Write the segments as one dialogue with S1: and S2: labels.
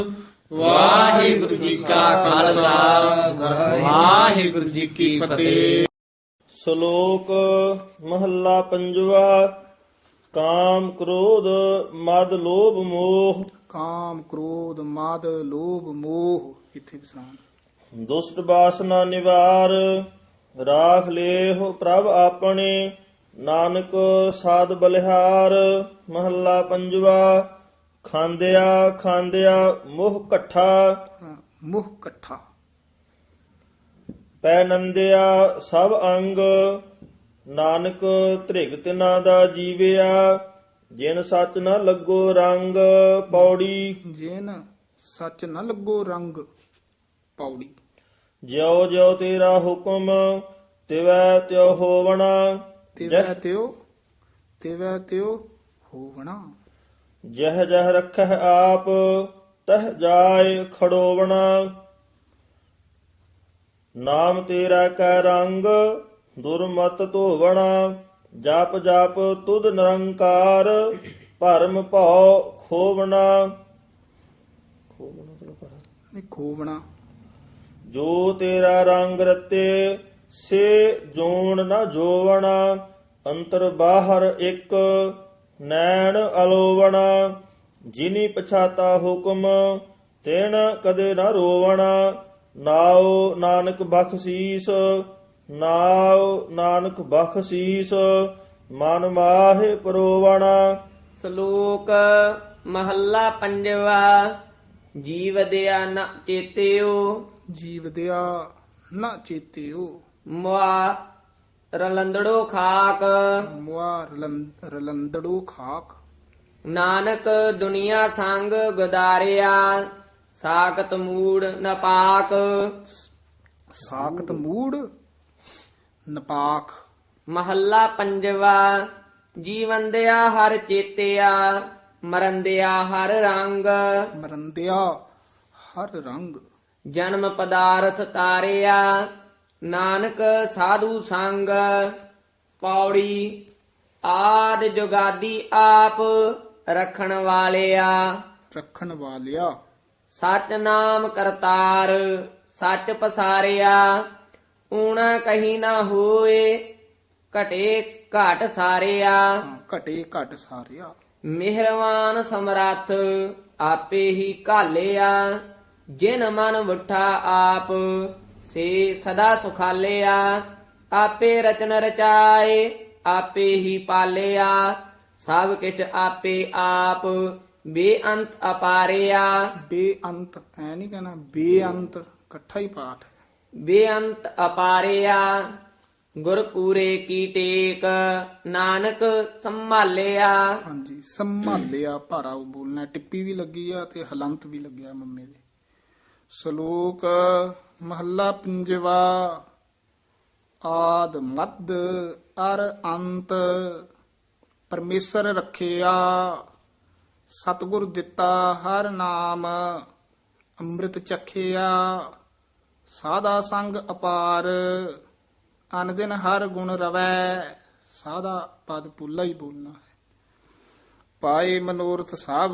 S1: ਵਾਹਿਗੁਰੂ ਜੀ ਕਾ ਖਾਲਸਾ ਵਾਹਿਗੁਰੂ ਜੀ ਕੀ ਫਤਿਹ।
S2: ਸ਼ਲੋਕ ਮਹੱਲਾ ਪੰਜਵਾ। ਕਾਮ ਕ੍ਰੋਧ ਮਦ ਲੋਭ ਮੋਹ
S3: ਕਾਮ ਕ੍ਰੋਧ ਮਦ ਲੋਭ ਮੋਹ। ਇੱਥੇ ਵਿਸਰਾਮ।
S2: ਦੁਸ਼ਟ ਬਾਸਨਾ ਨਿਵਾਰ ਰਾਖ ਲੇਹੁ ਪ੍ਰਭ ਆਪਣੇ ਨਾਨਕ ਸਾਧ ਬਲਿਹਾਰ। ਮਹੱਲਾ ਪੰਜਵਾ। ਖਾਂਦਿਆ ਖਾਂਦਿਆ ਮੋਹ ਇਕੱਠਾ
S3: ਮੋਹ ਇਕੱਠਾ।
S2: ਪੈ ਨੰਦਿਆ ਸਭ ਅੰਗ ਨਾਨਕ ਧ੍ਰਿਗ ਤਿਨਾ ਦਾ ਜੀਵਿਆ। ਜਿਨ ਸੱਚ ਨ ਲੱਗੋ ਰੰਗ ਪੌੜੀ।
S3: ਜੇਨ ਸੱਚ ਨ ਲੱਗੋ ਰੰਗ ਪੌੜੀ।
S2: ਜਿਉ ਜਿਉ ਤੇਰਾ ਹੁਕਮ ਤਿਵੈ ਤਿਉ ਹੋਵਣਾ।
S3: ਤਿਵੈ ਤਿਉ ਹੋਵਣਾ।
S2: ਜਹ ਜਹ ਰਖਹਿ ਆਪ ਤਹ ਜਾਏ ਖੜੋਵਣਾ। ਨਾਮ ਤੇਰਾ ਕੈ ਰੰਗ ਦੁਰਮਤ ਧੋਵਣਾ। ਜਪ ਜਪ ਤੁਧ ਨਿਰੰਕਾਰ ਭਰਮ ਭਉ ਖੋਵਣਾ।
S3: ਨਹੀਂ ਖੋਵਣਾ।
S2: ਜੋ ਤੇਰਾ ਰੰਗ ਰਤੇ ਸੇ ਜੋਣ ਨ ਜੋਵਣਾ। ਅੰਤਰ ਬਾਹਰ ਇੱਕ ਨੈਣ ਅਲੋਵਣਾ। ਜਿਨੀ ਪਛਾਤਾ ਹੁਕਮ ਤਿਨ ਕਦੇ ਨ ਰੋਵਣਾ। ਨਾਉ ਨਾਨਕ ਬਖਸ਼ੀਸ ਨਾਉ ਨਾਨਕ ਬਖਸ਼ੀਸ ਮਨ ਮਾਹਿ ਪਰੋਵਣਾ।
S4: ਸ਼ਲੋਕ ਮਹੱਲਾ ਪੰਜਵਾ। ਜੀਵ ਦਿਆ ਨ ਚੇਤਿਓ
S3: ਜੀਵ ਦਿਆ ਨਾ ਚੇਤਿਓ।
S4: ਮੁਆ ਰਲੰਦੜੋ ਖਾਕ
S3: ਮੁਆ ਰਲੰਦੜੋ ਖਾਕ।
S4: ਨਾਨਕ ਦੁਨੀਆ ਸੰਗ ਗੁਦਾਰਿਆ ਸਾਖਤ ਮੂੜ ਨਪਾਕ।
S3: ਸਾਖਤ ਮੂੜ ਨਪਾਕ।
S4: ਮਹੱਲਾ ਪੰਜਵਾ। ਜੀਵਨ ਦਿਆ ਹਰ ਚੇਤਿਆ ਮਰਨ ਦਿਆ ਹਰ ਰੰਗ।
S3: ਮਰੰਦਿਆ ਹਰ ਰੰਗ।
S4: ਜਨਮ ਪਦਾਰਥ ਤਾਰਿਆ ਨਾਨਕ ਸਾਧੂ ਸੰਗ। ਪੌੜੀ ਆਦ ਜੁਗਾਦੀ ਆਪ ਰੱਖਣ ਵਾਲਿਆ।
S3: ਰੱਖਣ ਵਾਲਿਆ।
S4: ਸਚ ਨਾਮ ਕਰਤਾਰ ਸੱਚ ਪਸਾਰਿਆ। ਊਣਾ ਕਹੀ ਨਾ ਹੋਏ ਘਟੇ ਘਟ ਸਾਰਿਆ।
S3: ਘਟੇ ਘਟ ਸਾਰਿਆ।
S4: ਮਿਹਰਵਾਨ ਸਮਰੱਥ ਆਪੇ ਹੀ ਘਾਲਿਆ। ਜਿਨ ਮਨ ਵੁੱਠਾ ਆਪ ਸੇ ਸਦਾ ਸੁਖਾਲਿਆ। ਆਪੇ ਰਚਨ ਰਚਾਏ ਆਪੇ ਹੀ ਪਾਲਿਆ। ਸਭ ਕਿਛ ਆਪੇ ਆਪ ਬੇਅੰਤ ਅਪਾਰਿਆ।
S3: ਬੇਅੰਤ ਐ ਨਹੀਂ ਕਹਿਣਾ ਬੇਅੰਤ ਇਕੱਠਾ ਹੀ ਪਾਠ।
S4: ਬੇਅੰਤ ਅਪਾਰਿਆ। ਗੁਰ ਪੂਰੇ ਕੀ ਟੇਕ ਨਾਨਕ ਸੰਭਾਲਿਆ।
S3: ਹਾਂਜੀ ਸੰਭਾਲਿਆ ਭਾਰਾ ਬੋਲਣਾ। ਟਿੱਪੀ ਵੀ ਲੱਗੀ ਆ ਤੇ ਹਲੰਤ ਵੀ ਲੱਗਿਆ ਮੰਮੇ ਦੇ। ਸ਼ਲੋਕ ਮਹੱਲਾ ਪੰਜਵਾ। ਆਦ ਮੱਧ ਅਰ ਅੰਤ ਪਰਮੇਸ਼ਰ ਰੱਖਿਆ। ਸਤਿਗੁਰ ਦਿੱਤਾ ਹਰ ਨਾਮ ਅੰਮ੍ਰਿਤ ਚਖਿਆ। ਸਾਧਾ ਸੰਗ ਅਪਾਰ ਅਨ ਦਿਨ ਹਰ ਗੁਣ ਰਵੈ। ਸਾਧਾ ਪਦ ਪੁੱਲਾ ਹੀ ਬੋਲਣਾ ਹੈ। ਪਾਏ ਮਨੋਰਥ ਸਭ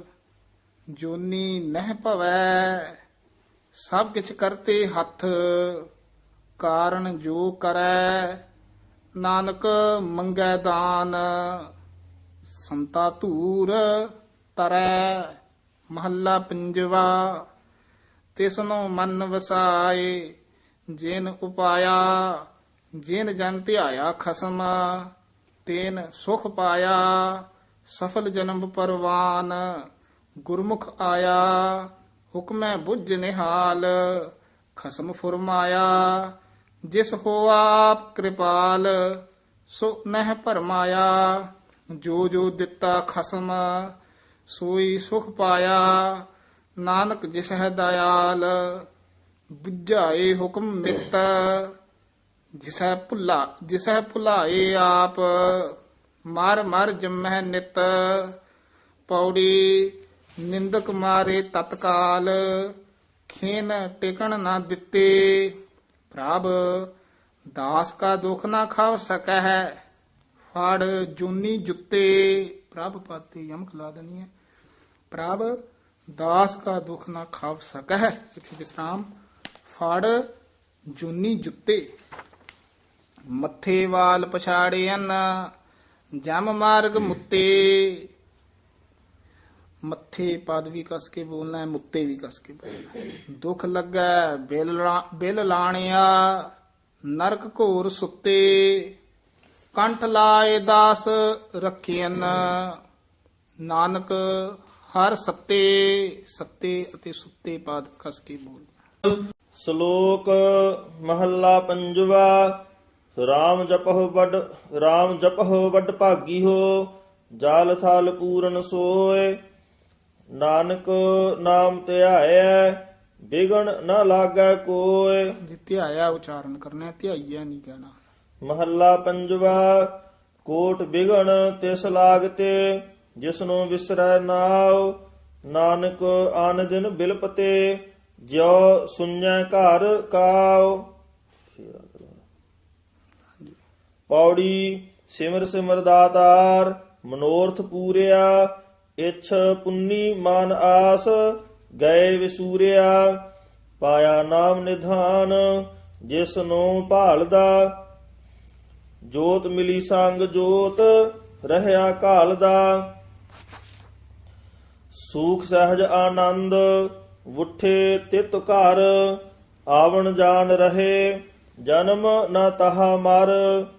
S3: ਜੋਨੀ ਨਹਿ ਭਵੈ। ਸਭ ਕਿਛ ਕਰਤੇ ਹੱਥ ਕਾਰਨ ਜੋ ਕਰੈ। ਨਾਨਕ ਮੰਗੈ ਦਾਨ ਸੰਤਾ ਧੂਰ ਤਰੈ। ਮਹੱਲਾ ਪੰਜਵਾ। ਤਿਸਨੂੰ ਮਨ ਵਸਾਏ ਜਿਨ ਉਪਾਇਆ। ਜਿਨ ਜਨ ਧਿਆਇਆ ਖਸਮ ਤੇਨ ਸੁਖ ਪਾਇਆ। ਸਫਲ ਜਨਮ ਪਰਵਾਨ ਗੁਰਮੁਖ ਆਇਆ। ਹੁਕਮੈ ਬੁੱਝ ਨਿਹਾਲ ਖਸਮ ਫੁਰਮਾਇਆ। ਜਿਸ ਹੋਆ ਆਪ ਕਿਰਪਾਲ ਸੋ ਨਹਿ ਭਰਮਾਇਆ। ਜੋ ਜੋ ਦਿੱਤਾ ਖਸਮ ਸੋਈ ਸੁਖ ਪਾਇਆ। ਨਾਨਕ ਜਿਸ ਹੈ ਦਇਆਲ ਬੁਝਾਏ ਹੁਕਮ ਮਿਤ। ਜਿਸੈ ਭੁਲਾਏ ਆਪ ਮਰ ਮਰ ਜੰਮਹਿ ਨਿਤ। ਪੌੜੀ ਨਿੰਦਕ ਮਾਰੇ ਤਤਕਾਲ ਖੇਨ ਟਿਕਣ ਨਾ ਦਿੱਤੇ। ਪ੍ਰਭ ਦਾਸ ਕਾ ਦੁਖ ਨਾ ਖਾਵ ਸਕੈ ਹੈ। ਫੜ ਜੂਨੀ ਜੁੱਤੇ। ਪ੍ਰਭ ਪਾਤੀ ਯਮਕ ਲਾ ਦੇਣੀ ਹੈ। ਪ੍ਰਭ ਦਾਸ ਕਾ ਦੁਖ ਨਾ ਖਾਵ ਸਕਹਿ। ਇਥੇ ਵਿਸਰਾਮ। ਫੜ ਜੂਨੀ ਜੁੱਤੇ ਮੱਥੇ ਵਾਲ ਪਛਾੜਿਆਨ ਜਮ ਮਾਰਗ ਮੁੱਤੇ। ਮੱਥੇ ਪਦ ਵੀ ਕਸ ਕੇ ਬੋਲਣਾ ਹੈ, ਮੁੱਤੇ ਵੀ ਕਸ ਕੇ ਬੋਲਣਾ ਹੈ। ਦੁਖ ਲੱਗੈ ਬਿਲ ਲਾਣਿਆ ਨਰਕ ਘੋਰ ਸੁੱਤੇ। ਕੰਠ ਲਾਏ ਦਾਸ ਰੱਖਿਆਨ ਨਾਨਕ ਹਰ ਸੱਤੇ। ਸੱਤੇ ਅਤੇ ਸੁੱਤੇ ਪਦ ਕਸ ਕੇ ਬੋਲਣਾ।
S2: ਸ਼ਲੋਕ ਮਹੱਲਾ ਪੰਜਵਾ। ਰਾਮ ਜਪਹੁ ਵੱਡ ਭਾਗੀ ਹੋ ਜਾਲ ਥਲ ਪੂਰਨ ਸੋਏ। ਨਾਨਕ ਨਾਮ ਧਿਆਇਐ ਬਿਗਣ ਨ ਲਾਗੈ ਕੋਇ।
S3: ਜੇ ਧਿਆਇਆ ਉਚਾਰਨ ਕਰਨਾ, ਧਿਆਈਆ ਨਹੀਂ ਕਹਿਣਾ।
S2: ਮਹੱਲਾ ਪੰਜਵਾ। ਕੋਟ ਬਿਗਣ ਤਿਸ ਲਾਗਤੇ ਜਿਸਨੂੰ ਵਿਸਰੈ ਨਾਉ। ਨਾਨਕ ਆਨ ਦਿਨ ਬਿਲਪਤੇ ਜਿਉ ਸੁਣੈ ਘਰ ਕਾਉ। ਪੌੜੀ ਸਿਮਰ ਸਿਮਰ ਦਾਤਾਰ ਮਨੋਰਥ ਪੂਰਿਆ। ਇਛ ਪੁੰਨੀ ਮਾਨ ਆਸ ਗਏ ਵਿਸੂਰਿਆ। ਪਾਇਆ ਨਾਮ ਨਿਧਾਨ ਜਿਸ ਨੂੰ ਭਾਲਦਾ। ਜੋਤ ਮਿਲੀ ਸੰਗ ਜੋਤ ਰਹਿਆ ਘਾਲਦਾ। ਸੂਖ ਸਹਿਜ ਆਨੰਦ ਉਠੇ ਤਿਤ ਘਰ। ਆਵਣ ਜਾਣ ਰਹੇ ਜਨਮ ਨ ਤਹਾ ਮਰ।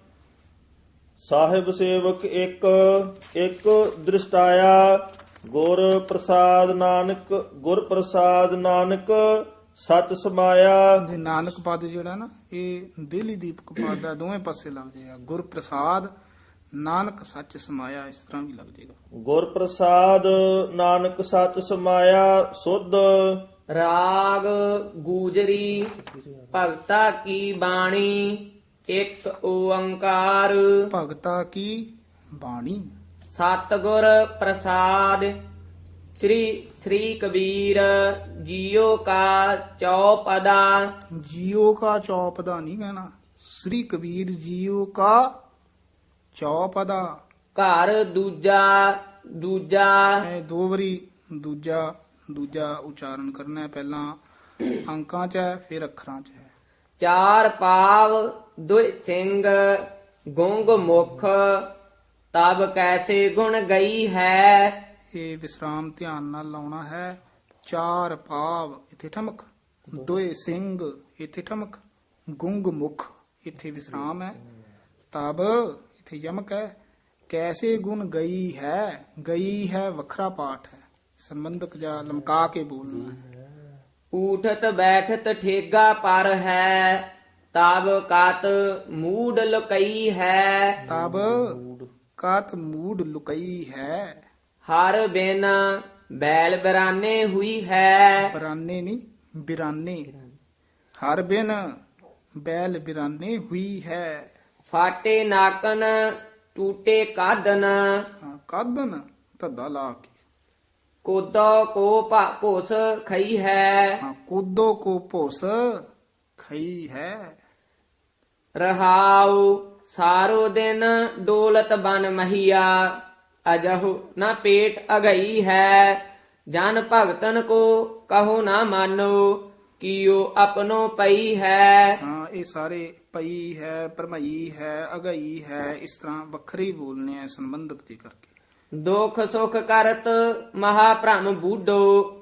S2: ਸਾਹਿਬ ਸੇਵਕ ਇੱਕ ਦ੍ਰਿਸ਼ਟਾਇਆ। ਗੁਰ ਪ੍ਰਸਾਦ ਨਾਨਕ ਸਚ ਸਮਾਇਆ।
S3: ਜੇ ਨਾਨਕ ਪਦ ਜਿਹੜਾ ਨਾ ਇਹ ਦਿੱਲੀ ਦੀਪਕ ਪਦ ਦਾ ਦੋਵੇਂ ਪਾਸੇ ਲੱਗ ਜਾਏਗਾ। ਗੁਰ ਪ੍ਰਸਾਦ ਨਾਨਕ ਸੱਚ ਸਮਾਇਆ, ਇਸ ਤਰ੍ਹਾਂ ਵੀ ਲੱਗ ਜਾਏਗਾ।
S2: ਗੁਰ ਪ੍ਰਸਾਦ ਨਾਨਕ ਸਚ ਸਮਾਇਆ ਸੁਧ।
S4: ਰਾਗ ਗੂਜਰੀ ਭਗਤਾ ਕੀ ਬਾਣੀ ਇੱਕ ਓੰਕਾਰ।
S3: ਭਗਤਾ ਕੀ ਬਾਣੀ
S4: ਸਤਿਗੁਰ ਪ੍ਰਸਾਦ ਸ੍ਰੀ ਕਬੀਰ ਜੀਓ ਕਾ ਚੌਪਦਾ।
S3: ਜੀਓ ਕਾ ਚੌਪਦਾ ਨਹੀਂ ਕਹਿਣਾ। ਸ੍ਰੀ ਕਬੀਰ ਜੀਓ ਕਾ ਚੌਪਦਾ।
S4: ਘਰ ਦੂਜਾ
S3: ਇਹ ਦੋ ਵਾਰੀ ਦੂਜਾ ਉਚਾਰਨ ਕਰਨਾ ਹੈ। ਪਹਿਲਾਂ ਅੰਕਾਂ 'ਚ ਹੈ, ਫਿਰ ਅੱਖਰਾਂ 'ਚ ਹੈ।
S4: ਚਾਰ ਪਾਵ ਦੁਇ ਸਿੰਘ ਗੁੰਗ ਮੁਖ ਤਬ ਕੈਸੇ ਗੁਣ ਗਈ ਹੈ।
S3: ਇਹ ਵਿਸਰਾਮ ਧਿਆਨ ਨਾਲ ਲਾਉਣਾ ਹੈ। ਚਾਰ ਪਾਵ ਇੱਥੇ ਠਮਕ, ਦੋਏ ਸਿੰਘ ਇੱਥੇ ਠਮਕ, ਗੁੰਗ ਮੁਖ ਇੱਥੇ ਵਿਸਰਾਮ ਹੈ, ਤਬ ਇੱਥੇ ਯਮਕ ਹੈ। ਕੈਸੇ ਗੁਣ ਗਈ ਹੈ ਵੱਖਰਾ ਪਾਠ ਹੈ, ਸੰਬੰਧਕ ਜਾਂ ਲਮਕਾ ਕੇ ਬੋਲਣਾ ਹੈ।
S4: ਊਠਤ ਬੈਠਤ ਠੇਗਾ ਪਰ ਹੈ ਤਬ ਕਤ ਮੂਡ ਲੁਕਈ ਹੈ।
S3: ਤਬ ਕਾਤ ਮੂਡ ਲੁਕਈ ਹੈ।
S4: ਹਰ ਬਿਨ ਬੈਲ ਬਰਾਨੇ ਹੁਈ ਹੈ।
S3: ਬਰਾਨੇ ਨਹੀਂ ਬਿਰਾਨੇ। ਹਰ ਬਿਨ ਬੈਲ ਬਿਰਾਨੇ ਹੁਈ ਹੈ।
S4: ਫਾਟੇ ਨਾਕਨ ਟੂਟੇ ਕਾਦਨ
S3: ਕਾਦਨ ਧੱਦਾ ਲਾ ਕੇ।
S4: ਕੋਦੋ ਕੋ ਭੋਸ ਖਈ ਹੈ।
S3: ਕੋਦੋ ਕੋ ਭੋਸ ਖਈ ਹੈ।
S4: ਰਹਾਉ ਸਾਰੋ ਦਿਨ ਡੋਲਤ ਬਨ ਮਹੀਆ ਅਜਹੁ ਨਾ ਪੇਟ ਅਗਈ ਹੈ। ਜਨ ਭਗਤਨ ਕੋ ਕਹੋ ਨਾ ਮਾਨੋ ਕੀਓ ਆਪਣੋ ਪਈ ਹੈ।
S3: ਇਹ ਸਾਰੇ ਪਈ ਹੈ, ਭਰਮਈ ਹੈ, ਅਗਈ ਹੈ, ਇਸ ਤਰ੍ਹਾਂ ਵੱਖਰੇ ਬੋਲਨੇ ਆ ਸੰਬੰਧਕ ਜੀ ਕਰਕੇ।
S4: ਦੁਖ ਸੁਖ ਕਰਤ ਮਹਾ ਭ੍ਰਮ ਬੂਡੋ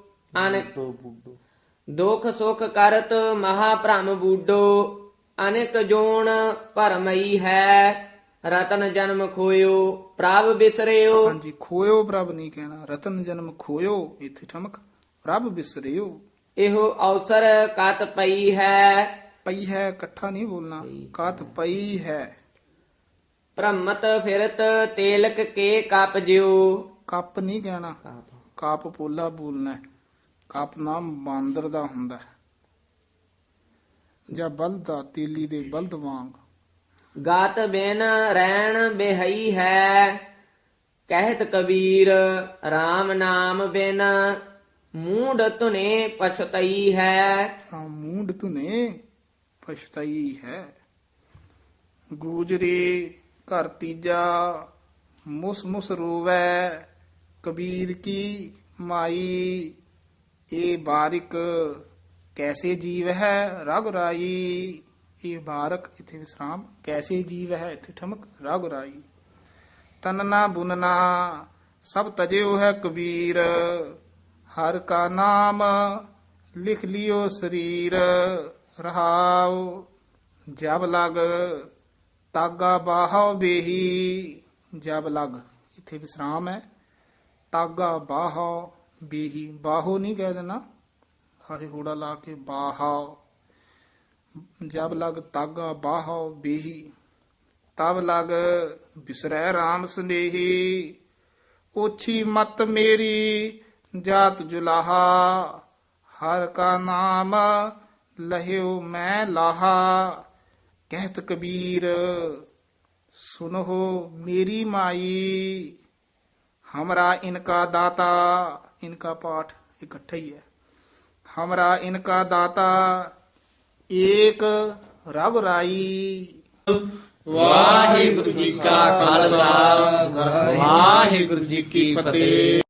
S4: ਦੁਖ ਸੁਖ ਕਰਤ ਮਹਾ ਭ੍ਰਮ ਬੂਡੋ ਅਨੇਕ ਜੋਨ ਭਰਮਈ ਹੈ। ਰਤਨ ਜਨਮ ਖੋਇਓ ਪ੍ਰਭ ਬਿਸਰਿਓ।
S3: ਹਾਂਜੀ, ਖੋਇਓ ਪ੍ਰਭ ਨਹੀਂ ਕਹਿਣਾ। ਰਤਨ ਜਨਮ ਖੋਇਓ ਇੱਥੇ ਠਮਕ, ਪ੍ਰਭ ਬਿਸਰਿਓ।
S4: ਇਹੋ ਅਵਸਰ ਕਤ ਪਈ ਹੈ।
S3: ਪਈ ਹੈ ਇਕੱਠਾ ਨਹੀਂ ਬੋਲਣਾ, ਕਤ ਪਈ ਹੈ।
S4: ਭ੍ਰਮਤ ਫਿਰਤ ਤੇਲਕ ਕੇ ਕਪ ਜਿਉ।
S3: ਕੱਪ ਨਹੀਂ ਕਹਿਣਾ, ਕਾਪ ਪੋਲਾ ਬੋਲਣਾ ਹੈ। ਕੱਪ ਨਾਮ ਬਾਂਦਰ ਦਾ ਹੁੰਦਾ ਹੈ ਜਾਂ ਬਲਦ ਦਾ, ਤੇਲੀ ਦੇ ਬਲਦ ਵਾਂਗ।
S4: ਗਾਤ ਬਿਨ ਰਹਿਣ ਬਿਹਈ ਹੈ ਕਹਿਤ ਕਬੀਰ RAM ਨਾਮ ਬਿਨ ਮੂੰਡ ਧੁਨੇ ਪਛਤਈ ਹੈ।
S3: ਮੂੰਡ ਧੁਨੇ ਪਛਤਾਈ ਹੈ। ਗੂਜਰੀ ਘਰ ਤੀਜਾ ਮੁਸ ਮੁਸ ਰੋਵੈ ਕਬੀਰ ਕੀ ਮਾਈ ਇਹ ਬਾਰਿਕ ਕੈਸੇ ਜੀਵ ਹੈ ਰਘੁਰਾਈ। ਇਹ ਬਾਰਕ ਇਥੇ ਵਿਸਰਾਮ, ਕੈਸੇ ਜੀਵ ਹੈ ਇਥੇ ਠਮਕ, ਰਘੁਰਾਈ। ਤਨਨਾ ਬੁਨਨਾ ਸਭ ਤਜਿਓ ਹੈ ਕਬੀਰ, ਹਰ ਕਾ ਨਾਮ ਲਿਖ ਲਿਓ ਸਰੀਰ। ਰਹਾਉ ਜਬ ਲਗ ਤਾਗਾ ਬਾਹਉ ਬੇਹੀ। ਜਬ ਲਗ ਇਥੇ ਵਿਸਰਾਮ ਹੈ, ਤਾਗਾ ਬਾਹਉ ਬੇਹੀ, ਬਾਹੋ ਨਹੀਂ ਕਹਿ ਦੇਣਾ, ਹਾਹੇ ਹੂੜਾ ਲਾ ਕੇ ਬਾਹਉ। ਜਬ ਲਗ ਤਾਗਾ ਬਾਹਉ ਬੇਹੀ, ਤਬ ਲਗ ਬਿਸਰੈ ਰਾਮ ਸੰਦੇਹੀ। ਓਛੀ ਮਤ ਮੇਰੀ ਜਾਤ ਜੁਲਾਹਾ, ਹਰ ਕਾ ਨਾਮ ਲਹਿਓ ਮੈਂ ਲਾਹਾ। ਕਹਿਤ ਕਬੀਰ ਸੁਨੋ ਮੇਰੀ ਮਾਈ, हमरा इनका दाता। इनका पाठ इकट्ठा ही है। हमरा इनका दाता एक रघुराई।
S1: ਵਾਹਿਗੁਰੂ ਜੀ ਕਾ ਖਾਲਸਾ ਵਾਹਿਗੁਰੂ ਜੀ ਕੀ ਫਤਿਹ।